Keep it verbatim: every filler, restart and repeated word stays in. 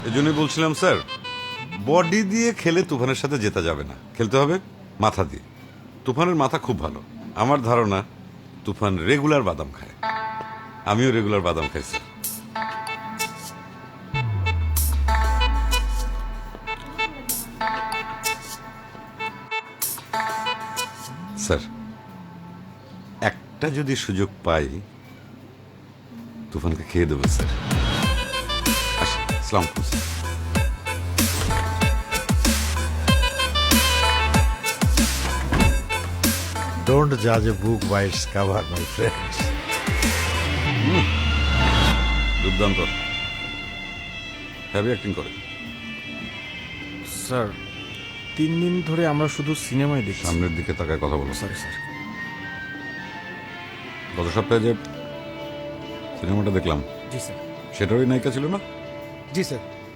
এই জন্যই বলছিলাম স্যার, বডি দিয়ে খেলে তুফানের সাথে জেতা যাবে না, খেলতে হবে মাথা দিয়ে। তুফানের মাথা খুব ভালো। আমার ধারণা তুফান রেগুলার বাদাম খায়, আমিও রেগুলার বাদাম খাই স্যার। স্যার একটা যদি সুযোগ পাই তুফানকে খেয়ে দেবো স্যার। আসি, আসসালামু আলাইকুম sir. Don't judge a book by its cover, my friends. দুর্দান্ত, হ্যাভি অ্যাক্টিং করে। স্যার তিন দিন ধরে আমরা শুধু সিনেমাই দেখছি। সামনের দিকে তাকায় কথা বলো। Sorry sir. গত সপ্তাহে যে সিনেমাটা দেখলাম জি স্যার। সেটারই নায়িকা ছিল না? জি স্যার।